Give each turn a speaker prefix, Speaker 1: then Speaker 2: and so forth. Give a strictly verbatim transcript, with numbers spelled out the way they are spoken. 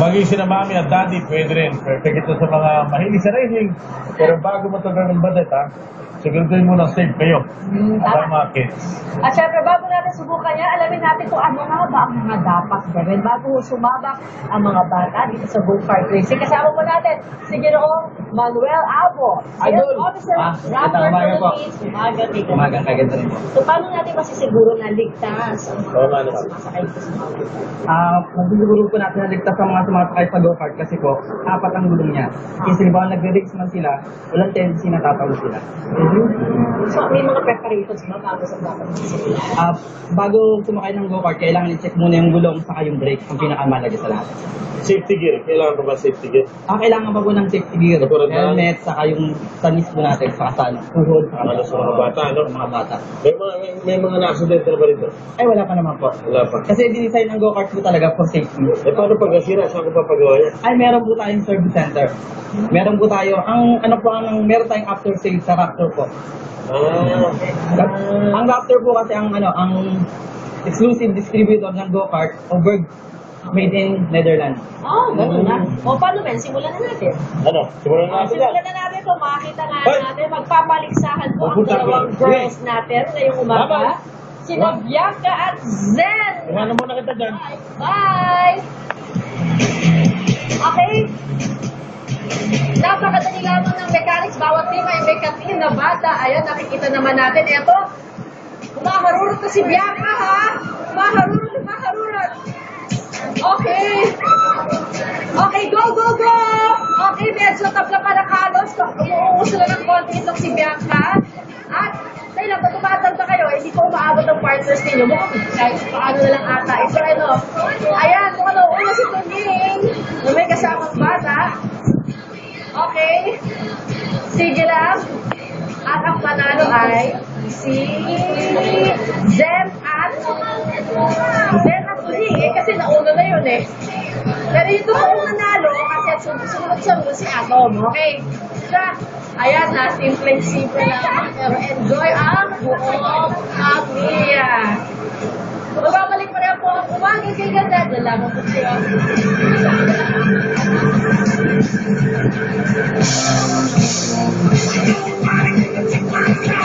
Speaker 1: maging sina mami at daddy, pwede rin. Perfect ito sa mga mahilig sa racing. Pero bago mo tagal ng badet, ha? Siguraduhin mo na safe kayo.
Speaker 2: Hmm,
Speaker 1: Para
Speaker 2: tama.
Speaker 1: mga kids.
Speaker 2: At syempre, bago natin subukan yan, alamin natin kung ano nga ba ang mga dapat gawin bago sumabak ang mga bata dito sa go-kart racing. Kasama po natin si Ginoong Manuel Abo, Sales
Speaker 3: Idol.
Speaker 2: Officer,
Speaker 3: Ah,
Speaker 2: Rapper
Speaker 3: ito, umaga po.
Speaker 2: Philippines. Umaga, Tika.
Speaker 3: Umagang kaganda rin po.
Speaker 2: So, paano natin masisiguro na ligtas ang
Speaker 1: Oo nga naman.
Speaker 2: sumasakay dito sa mga
Speaker 3: Ah, magsiguro po natin na ligtas ang mga sumasakay sa go-kart kasi po, apat ang gulong niya. Kasi ba nagre-race man sila, walang tendency na tatalo sila.
Speaker 2: So, may mga preparations ba bago sa dapat masisiguro?
Speaker 3: Ah, bago sumakay ng go-kart, kailangan i-check muna yung gulong saka yung brake, ang pinakamalaga sa lahat.
Speaker 1: Safety gear. Kailangan pa ba safety gear?
Speaker 3: Ah, kailangan pa po ng safety gear,
Speaker 1: Katulad ng-
Speaker 3: helmet, saka yung sanis po natin, saka sa ano, tuhod, saka
Speaker 1: Ano sa mga bata, ano?
Speaker 3: sa mga bata.
Speaker 1: May mga, may, may mga na-accident na ba rito?
Speaker 3: Ay, wala pa naman po.
Speaker 1: Wala pa.
Speaker 3: Kasi dinesign ang go-kart po talaga for safety.
Speaker 1: Eh, paano pag nasira? Saan ko papagawa yan?
Speaker 3: Ay, meron po tayong service center. Meron po tayo, ang ano po, ang meron tayong after sales sa Raptor po.
Speaker 1: Ah,
Speaker 3: Ang Raptor po kasi ang ano, ang exclusive distributor ng go-kart over made in Netherlands.
Speaker 2: Oh, ganun na. O, paano men? Simulan na natin.
Speaker 1: ano? Simulan
Speaker 2: Ah,
Speaker 1: natin yan.
Speaker 2: simulan na natin ito. Makita nga
Speaker 1: Hoy!
Speaker 2: natin. Magpapaligsahan po ang
Speaker 1: Mapunta
Speaker 2: dalawang
Speaker 1: ko.
Speaker 2: girls natin ngayong umaga.
Speaker 1: Bye-bye.
Speaker 2: Sina Bianca at Zen.
Speaker 1: Iwanan muna kita dyan.
Speaker 2: Bye! Okay. Napakadali lamang ng mechanics. Bawat team ay may katin na bata. Ayan, nakikita naman natin. Ito, maharurot na si Bianca, ha? Maharurot, maharurot. Okay. Okay, go, go, go! Okay, medyo tabla pa ng halos. Umuuso lang ng konti itong si Bianca. At, dahil lang, pag tumatanda kayo, hindi ko umaabot ang partners ninyo. Mukhang kahit paano na lang ata. Ito, ano, ayan, kung ano, una si Tuning, na may kasamang bata. Okay. Sige lang. At ang panalo ay si Zen at Zen at Tuning. Eh, kasi nauna na yun eh. Pero yung totoong nanalo, kasi at sumunod-sunod si Atom. Okay. So, ayan na, simple-simple lang. Pero enjoy ang buong pamilya. Magbabalik pa rin po ang umagi kay ganda. Dalaman po siya.
Speaker 4: Thank you.